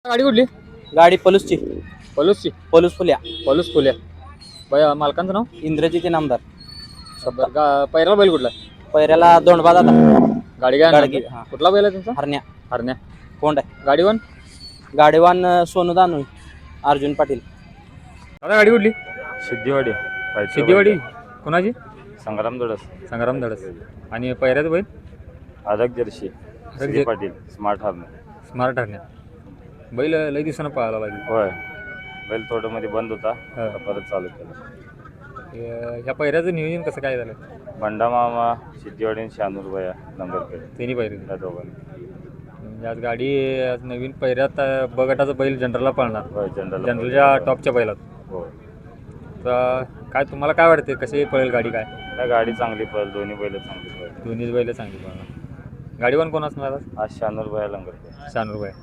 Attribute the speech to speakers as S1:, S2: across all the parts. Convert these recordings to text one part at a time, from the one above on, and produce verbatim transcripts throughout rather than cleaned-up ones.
S1: गाडी कुठली?
S2: गाडी पलूसची
S1: पलूसची
S2: पलूस फुल्या
S1: पलूस फुल्या बाय मालकांचं नाव
S2: इंद्रजित नामदार
S1: बर गा पैराला बैल कुठला?
S2: पैऱ्याला दोंडबा दादा
S1: गाडी काय
S2: गाडगी
S1: नाव?
S2: हा
S1: कुठला बैल आहे तुमचा?
S2: हरण्या
S1: हरण्या.
S2: कोंड आहे
S1: गाडीवन
S2: गाडीवान सोनू दानू अर्जुन पाटील.
S1: दादा गाडी कुठली?
S3: सिद्धिवाडी
S1: सिद्धिवाडी. कोणाची?
S3: संग्राम दडस
S1: संग्राम धडस. आणि पैऱ्याचं बैल
S3: अदक जर्शी श्री पाटील स्मार्ट हार्न.
S1: स्मार्ट हरण्या. बैल लई दिवसानं पळायला लागली.
S3: होय बैल थोडं मध्ये बंद होता
S1: हा.
S3: आता परत चालू केलं.
S1: हे- ह्या पैऱ्याचं नियोजन कसं काय झालं?
S3: बंडा मामा सिद्धिवाडी आणि शानूर भया नंबर केले
S1: तिन्ही पैरे.
S3: त्या दोघांनी.
S1: म्हणजे आज गाडी आज नवीन पैऱ्यात अं, बगटाचं बैल जनरलला पळणार.
S3: होय जनरल
S1: जनरलच्या टॉपच्या बैलात.
S3: हो
S1: तर काय तुम्हाला काय वाटते कशी पळेल गाडी? काय
S3: त्या गाडी चांगली पळेल दोन्ही बैल चांगली पळेल.
S1: दोन्हीच बैल चांगली पळणार. गाडीवर कोण असणार आज?
S3: आज शानूर भया लंगर केले.
S1: शानूर भाई.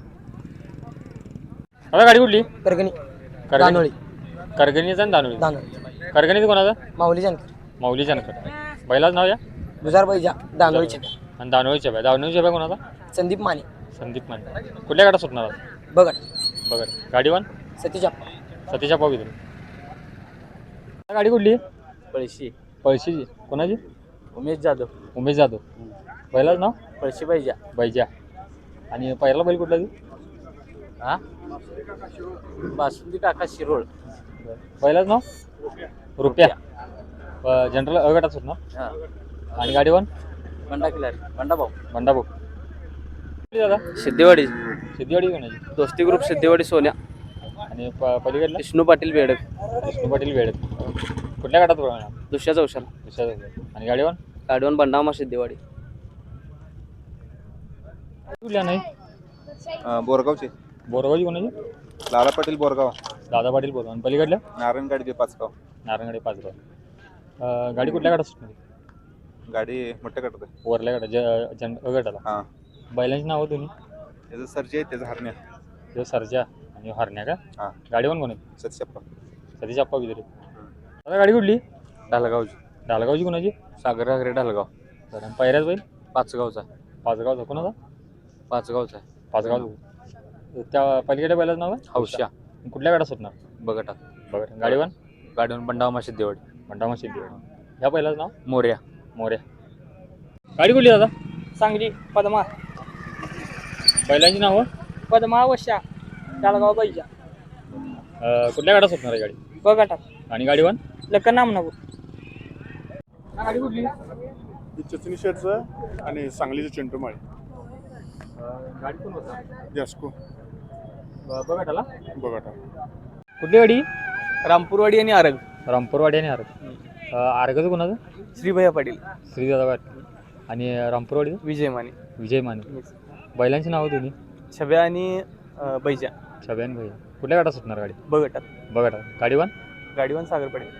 S1: आता गाडी कुठली?
S2: करगणी
S1: करगणी.
S2: दानोळी
S1: करगणीचा आणि दानोळी.
S2: दानोळी
S1: करगणीचं कोणाचा?
S2: माऊली जानकर
S1: माऊली जानकर. बैलाच नाव या
S2: दुजार बैजा दानोळीचे
S1: आणि दानोळीच्या बाय. दानोळीच्या बाय कोणाचा?
S2: संदीप माने
S1: संदीप माने. कुठल्या गाडा सुटणार आज?
S2: बघट
S1: बघा गाडीवान
S2: सतीजा
S1: सतीशा पावित्र. गाडी कुठली?
S2: पळशी
S1: पळशीची. कोणाची?
S2: उमेश जाधव
S1: उमेश जाधव. बैलाच नाव?
S2: पळशी बैजा
S1: बैजा. आणि पहिला बैल कुठला? ती
S2: हा बासुंदी काका शिरोळ
S1: बैलाच नाव? रुपया. जनरल अगटात सुटणार.
S2: हा
S1: आणि गाडीवान?
S2: बंडा किल्लारी बंडा भाऊ
S1: बंडा भाऊ. दादा
S2: सिद्धेवाडी
S1: सिद्धीवाडी कोणाची?
S2: दोस्ती ग्रुप सिद्धेवाडी सोन्या
S1: आणि प पलीकडला?
S2: विष्णू पाटील बेडक
S1: विष्णू पाटील वेळेत. कुठल्या गाडात बघणार?
S2: दुसऱ्या चौशाला
S1: दुसऱ्या. आणि गाडीवान?
S2: गाडीवान बंडामा सिद्धेवाडी.
S1: कुठल्या नाही?
S4: बोरगावचे
S1: बोरगावची कोणाची?
S4: लाला पाटील बोरगाव,
S1: दादा पाटील बोरगाव. आणि पलीकडल्या?
S4: नारायणगाडी पाचगाव.
S1: नारायणगाडी पाचगाव. अं, गाडी कुठल्या गाडात सुटणार?
S4: गाडी मोठ्या कटत आहे.
S1: वरल्या गाडा ज जन अगटाला.
S4: हां
S1: बैलांची नावं दोन्ही?
S4: त्याचं सरजी आहे त्याचं हरण्या.
S1: जो सरजा आणि हरण्या का?
S4: हां
S1: गाडीवान कोण आहे?
S4: सत्यप्पा
S1: सतीश अप्पा विदरे. आता गाडी कुठली?
S2: ढालगावची
S1: डालगावची कोणाची?
S2: सागर घागरे ढालगाव.
S1: बरं. आणि पैऱ्याच बैल?
S2: पाचगावचा
S1: पाचगावचा. कोणाचा?
S2: पाचगावचा
S1: पाचगाव. त्या पलीकडे बैलाचं नाव आहे?
S2: हौशा
S1: कुठल्या गाडा सुटणार?
S2: बघटा
S1: बरं. गाडीवान?
S2: गाडीवान बंडामा सिद्धेवाडी.
S1: भंडामा सिद्धी. ह्या पहिलाच नाव?
S2: मोर्या
S1: मोर्या. गाडी कुठली दादा?
S2: सांगली पद्मा
S1: बैलांची नावं?
S2: पद्मा वशा डालगाव बैजा
S1: अं, कुठल्या गाडा सुटणार आहे गाडी?
S2: बघटा
S1: आणि गाडीवान?
S2: लक्कन नामनगर.
S1: गाडी कुठली?
S5: चिचणी शेटचं आणि सांगलीचं चिंटूमाळी
S1: गाडी कोण होता?
S5: जास्को
S1: बघाटाला.
S5: बघा.
S1: कुठली गाडी?
S2: रामपूरवाडी आणि आरग
S1: रामपूरवाडी आणि आर्ग. आर्गचं कोणाचं?
S2: श्रीभैया पाटील
S1: श्रीदादा पाटील. आणि रामपूरवाडी?
S2: विजय माने
S1: विजय माने. बैलांची नावं दोन्ही?
S2: छब्या आणि अं, बैजा
S1: छब्यान भैया. कुठल्या गाडा सुटणार गाडी?
S2: बघटात.
S1: बघाटा. गाडीवान?
S2: गाडीवान सागर पाटील.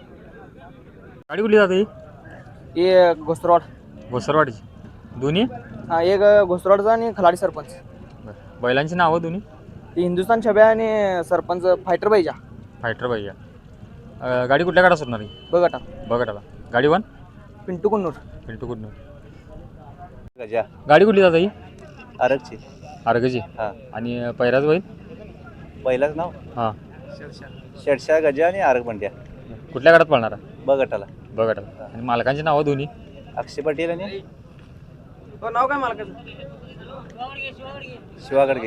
S1: गाडी कुठली जाते?
S2: हे घोसरवाड.
S1: घोसरवाडीची. दोन्ही?
S2: हा एक घोसरवाडचा आणि खलाडी सरपंच.
S1: बरं. बैलांची नावं दोन्ही?
S2: ती हिंदुस्थान छब्या आणि सरपंच फायटर बैजा.
S1: फायटर भैया. अं, गाडी कुठल्या गाडा सुटणार आहे?
S2: बघटात.
S1: बघाटाला. गाडीवान?
S2: पिंटू कुन्नूर.
S1: पिंटू कुठनं.
S4: गजा
S1: गाडी कुठली जाता ही?
S4: आरगची.
S1: आर्गची.
S4: हां
S1: आणि पैराज बैल?
S4: पहिलाच नाव
S1: हां.
S4: शेडशा गजा आणि आरग बंड्या.
S1: कुठल्या गाडात पळणार आहे?
S4: बघटाला
S1: बघाटाला. आणि मालकांची नावं दोन्ही?
S4: अक्षय पाटील आणि
S2: नाव काय मालकाचं?
S4: शिवागडगे.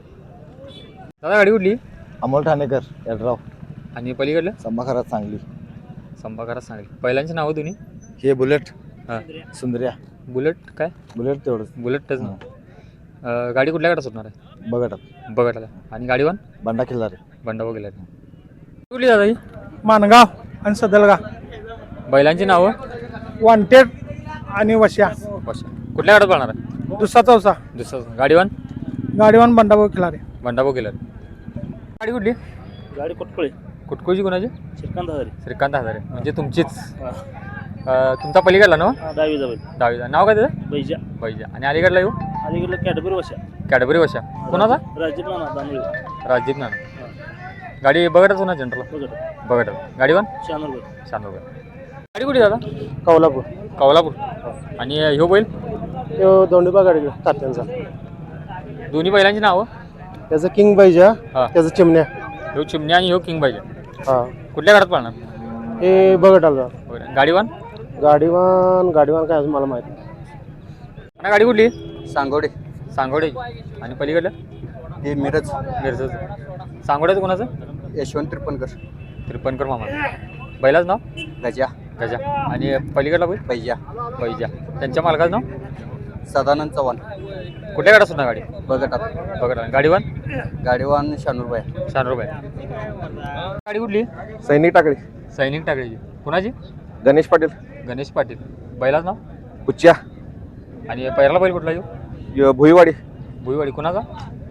S1: दादा गाडी कुठली?
S6: अमोल ठाणेकर यड्राव.
S1: आणि पलीकडलं?
S6: संभाखरात सांगली.
S1: संभाकारात सांगली. बैलांची नावं दोन्ही?
S6: हे बुलेट
S1: हां.
S6: सुंदर्या.
S1: बुलेट काय?
S6: बुलेट तेवढंच.
S1: बुलेटच ना. अं, गाडी कुठल्या गाडा सुटणार आहे?
S6: बघटात.
S1: बघाटाला. आणि गाडीवान?
S6: बंडा खिल्लारे.
S1: बंडा वगैरे. कुठली दादा ही?
S5: मानगाव आणि सदलगाव.
S1: बैलांची नावं?
S5: वॉन्टेड आणि वश्या.
S1: बस. कुठल्या गाडात पळणार आहे?
S5: दुसरा चौसा.
S1: दुसरं. गाडीवान?
S5: गाडीवान बंडाभाऊ खिलारे.
S1: बंडा वगैरे. गाडी कुठली?
S2: गाडी कुटकुळे.
S1: कुटकुळची कोणाची?
S2: श्रीकांत हजारे.
S1: श्रीकांत हजारे. म्हणजे तुमचीच. अं, तुमचा पलीकडला ना?
S2: दहावी जाईल
S1: दहावीचा. नाव काय त्याचं?
S2: बैजा.
S1: बैजा. आणि अलीकडला येऊ?
S2: अलीकडलं कॅडबरी वशा.
S1: कॅडबरी वशा. कोणाचा?
S2: राजीव नाना दानोळी.
S1: राजदीप ना. गाडी बघतच होणार जनरल.
S2: बघट
S1: बघत. गाडीवान?
S2: शानूर.
S1: शानूर. गाडी कुठे दादा?
S5: कौलापूर.
S1: कौलापूर. आणि ह्यो बैल?
S5: तो दोंडीबा गाडी तात्यांचा.
S1: दोन्ही बैलांची नावं?
S7: त्याचं किंग पाहिजे
S1: हा.
S7: त्याचं चिमण्या
S1: ह्यो चिमण्या आणि ह्यो किंग पाहिजे.
S7: हा
S1: कुठल्या गाडात पाळणार?
S7: हे बघत आलं
S1: बरं. गाडीवान
S7: गाडीवान गाडीवान काय अजून मला माहित नाही.
S1: आणि गाडी कुठली?
S6: सांगोडे
S1: सांगोडे. आणि पलीकडलं
S6: हे मिरज
S1: मिरजचं. सांगोड्याचं कोणाचं?
S6: यशवंत त्रिपणकर
S1: त्रिपणकर मामा. बैलाचं नाव?
S6: गजा
S1: गजा. आणि पलीकडला बैल?
S6: पैजा
S1: बैजा. त्यांच्या मालकाचं नाव?
S6: सदानंद चव्हाण
S1: कुठल्या गाडात सुद्धा गाडी?
S6: बघटात
S1: बघा. गाडीवान?
S6: गाडीवान शानूरबाई
S1: शान रुपये. गाडी कुठली?
S7: सैनिक टाकळी
S1: सैनिक टाकळीची. कुणाची?
S7: गणेश पाटील
S1: गणेश पाटील. बैलाचं नाव?
S7: कुच्या
S1: आणि पहिला बैल कुठला येऊ?
S7: भुईवाडी
S1: भुईवाडी. कुणाचा?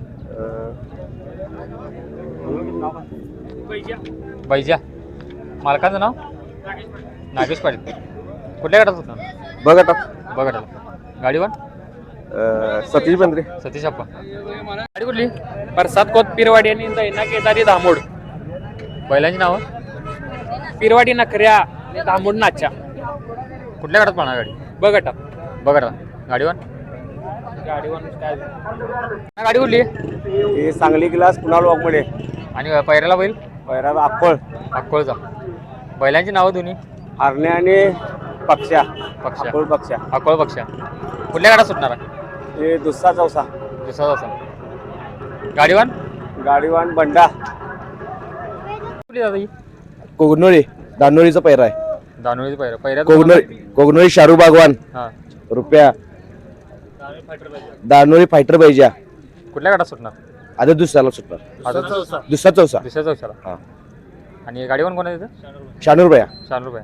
S1: बैजा. मालकाचं नाव? नागेश पाटील. कुठल्या गाडात होता?
S7: बघटात
S1: बघा. गाडीवान?
S7: सतीश बंद्रे
S1: सतीश अप्पा. गाडी कुठली?
S2: परसाद कोत पिरवाडी आणि दैना केदारी धामोड.
S1: बैलांची नावं?
S2: पिरवाडी नखऱ्या आणि धामोड नाच्या.
S1: कुठल्या गाडात पाहणार गाडी?
S2: बघटा
S1: बघा. गाडीवान?
S2: गाडीवान काय
S1: गाडी कुठली?
S7: हे सांगली ग्लास कुणाल वाघमडे
S1: आणि पैऱ्याला बैल?
S7: पैरा अक्कोळ
S1: अक्कोळचा. बैलांची नावं दोन्ही?
S7: हरणे आणि पक्षा
S1: पक्षा.
S7: अक्कोळ पक्षा
S1: अक्कोळ पक्षा. कुठल्या गाडा सुटणार आहे?
S7: हे दुसरा चौसा
S1: दुसरा असा. गाडीवान?
S7: गाडीवान बंडा
S1: कुठली दादा ही?
S6: कोगनोळी दानोळीचा पैरा आहे.
S1: दानोळीचं पैरा. पैऱ्यात
S6: कोगनोळी कोगनोळी शाहरुख बागवान
S1: हां.
S6: रुपया दानोळी फायटर बैजा
S1: कुठल्या गाडात सुटणार?
S6: आता दुसऱ्याला सुटणार.
S1: आता
S6: दुसरा चौसा
S1: दुसऱ्या चौशाला.
S6: हा.
S1: आणि गाडीवान कोण आहे तिथं?
S6: शानूरबाया
S1: शान रुपये.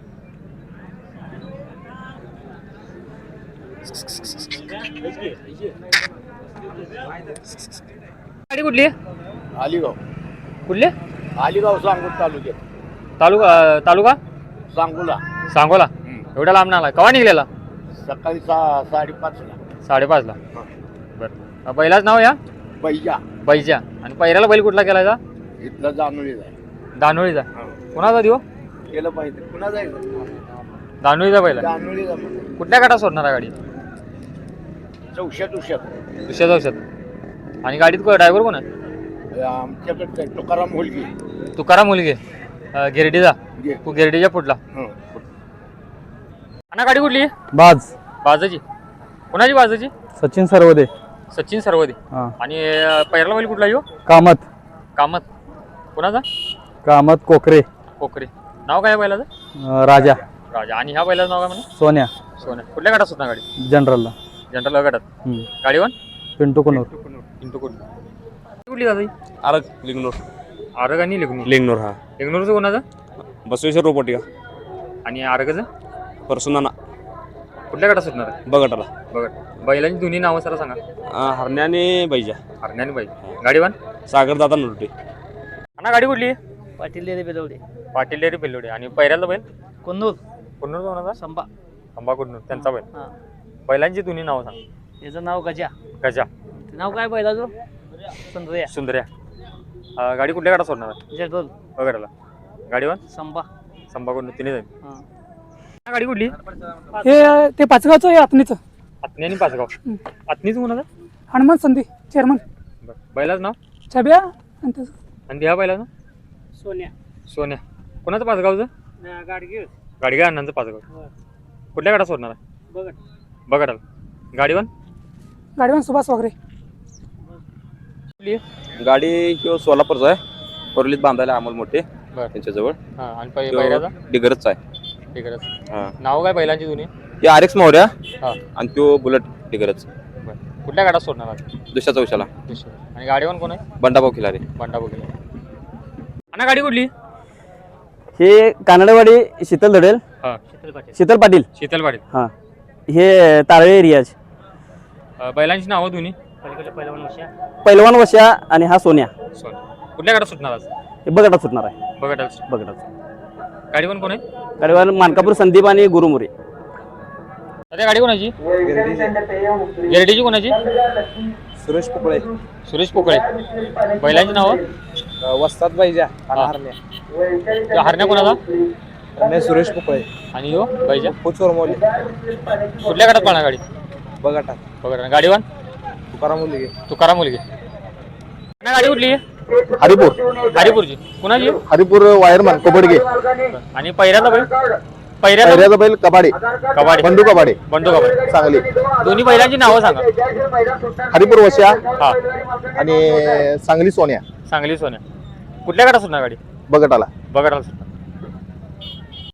S1: गाडी कुठली?
S5: अलिगाव
S1: कुठली?
S5: अलिगाव सांगोला तालुक्यात
S1: तालुका तालुका
S5: सांगोला
S1: सांगोला. एवढा लांब नाला. केव्हा निघलेला?
S5: सकाळी सहा साडेपाचला
S1: साडेपाचला. बरं. बैलाच नाव या?
S5: बैजा
S1: बैजा. आणि पैऱ्याला बैल कुठला केलायचा?
S5: इथला जाणवलेला आहे.
S1: दानोळीचा. कुणाचा देऊ?
S5: केलं पाहिजे पुन्हा जायचं
S1: दानोळीचा बैल आहे.
S5: जाणवलेला
S1: कुठल्या गाडात सोडणार आहे गाडी?
S5: चौशात उशात
S1: दुसऱ्या चौशात. आणि गाडीत ड्रायव्हर कोण आहे?
S5: आमच्याकडे तुकाराम होलगी
S1: तुकाराम मुलगे गिरडीचा.
S5: गे.
S1: तू गिरडीच्या पुढला. आणि गाडी कुठली?
S2: बाज
S1: बाजाची. कुणाची बाजाची?
S2: सचिन सरवदे
S1: सचिन सरवदे.
S2: हा.
S1: आणि पैरला बैल कुठला येऊ?
S2: कामत
S1: कामत. कुणाचा?
S2: कामत कोकरे
S1: कोकरे. नाव काय आहे बैलाचं?
S2: अं, राजा
S1: राजा. आणि ह्या बैलाचं नाव काय म्हणा?
S2: सोन्या
S1: सोन्या. कुठल्या गाडात सुटणार गाडी?
S2: जनरलला
S1: जनरल गाडात.
S2: हम्म.
S1: गाडीवान?
S2: पिंटू कुनूर
S1: पिंटू कुठली? कुठली दादा ही?
S8: आरग लिंगनूर
S1: आरग आणि लिग्नूर.
S8: लिंगनूर हा
S1: लिग्नूरचं कोणाचं?
S8: बसवेश्वर रोपटिका
S1: आणि आरगचं?
S8: परसुनाना
S1: कुठल्या गाडात सुटणार आहे?
S8: बगटाला
S1: बघा. बैलांची दोन्ही नावं सर सांगा.
S8: अं, हरण्या आणि बैजा.
S1: हरण्या आणि बाई. गाडीवान?
S8: सागर दादा नुरटे.
S1: आणि गाडी कुठली?
S2: Patil dairy Belwade
S1: Patil dairy Bellode. आणि पैऱ्याला बैल?
S2: कुन्नूर
S1: कुन्नूर कोणाचा?
S2: संबा
S1: अंबा कुन्नूर त्यांचा बैल.
S2: हा.
S1: बैलांची दोन्ही नावं सांग.
S2: याचं नाव गजा.
S1: गजा.
S2: नाव काय बैलाचं? सुंदर्या
S1: सुंदर्या. अं, गाडी कुठल्या गाडात सोडणार आहे?
S2: जनरल
S1: बघायला. गाडीवान?
S2: संबा
S1: संबा कुन्नूर तिने जाईल.
S2: हा.
S1: गाडी कुठली?
S9: हे ते पाचगावचं आहे आत्मीचं
S1: आत्नी आणि पाचगाव. आत्नीचं कोणाचं?
S9: हनुमान संधी चेअरमन
S1: बरं. बैलाचं नाव?
S9: छब्या आणि त्याचं
S1: आणि ह्या बैलाचं?
S2: सोन्या
S1: सोन्या. कोणाचं पाचगावचं?
S2: गाडगे
S1: गाडगे अण्णांचं पाचगाव. कुठल्या गाडात सोडणार आहे?
S2: बघ
S1: बघायला. गाडीवान?
S9: गाडीवान सुभाष वगैरे.
S1: कुठली आहे?
S6: गाडी किंवा सोलापूरचा आहे. कोरलीत बांधायला अमोल मोठे
S1: बरं.
S6: त्यांच्याजवळ
S1: हां. आणि पै पैऱ्याचा?
S6: डिगरच आहे.
S1: ठीक आहे.
S6: हा.
S1: नाव काय बैलांची दोन्ही?
S6: ते आर एक्स मोहऱ्या
S1: हां.
S6: आणि तो बुलेट डिगरच
S1: बरं. कुठल्या गाडात सोडणार आहे?
S6: दुसऱ्या चौशाला
S1: आणि गाडीवान कोण आहे?
S6: बंडाभाऊ खिलारे.
S1: बंडा बघेल. आणि गाडी कुठली?
S2: हे कानडवाडी शीतल धडेल
S1: हां.
S2: शीतल पाटील
S1: शीतल पाटील.
S2: हा. हे तारळे रियाज
S1: अं, बैलांची नावं दोन्ही?
S2: पैलवान वशा आणि हा सोन्या.
S1: सोन. कुठल्या गाडात सुटणार आज?
S2: हे बगटात सुटणार आहे.
S1: बघा.
S2: बगटात
S1: गाडीवान कोण आहे?
S2: गाडीवान मानकापूर संदीप आणि गुरुमुरे.
S1: अरे गाडी कोणाची? गिरडीची कोणाची?
S6: सुरेश पोकळे.
S1: सुरेश पोकळे. बैलांची नावं?
S6: वस्ताद बैजा
S1: हां. त्या हरण्या कोणाचा?
S6: आणि सुरेश पोकळे.
S1: आणि हो बैजा.
S6: चोरमोली
S1: कुठल्या गाडात पाहणार गाडी?
S6: बघटा
S1: बघा. गाडीवान?
S6: तुकाराम मुलगी.
S1: तुकाराम मुलगी.
S10: ना गाडी कुठली आहे?
S11: हरिपूर
S10: हरिपूरची कुणाची आहे?
S11: हरिपूर वायरमन कोबडगे
S10: आणि पहिऱ्याचा बैल पहिऱ्याचा
S11: पहिल्याचा बैल कबाडे
S10: कबाडी
S11: बंडू कबाडे
S10: बंडू कबाडी
S11: सांगली
S10: दोन्ही बैलांची नावं सांगा.
S11: हरिपूर वस्या
S10: हा
S11: आणि सांगली सोन्या
S10: सांगली सोन्या कुठल्या गाडा सुटणार गाडी
S11: बगटाला
S10: बघा सुटणार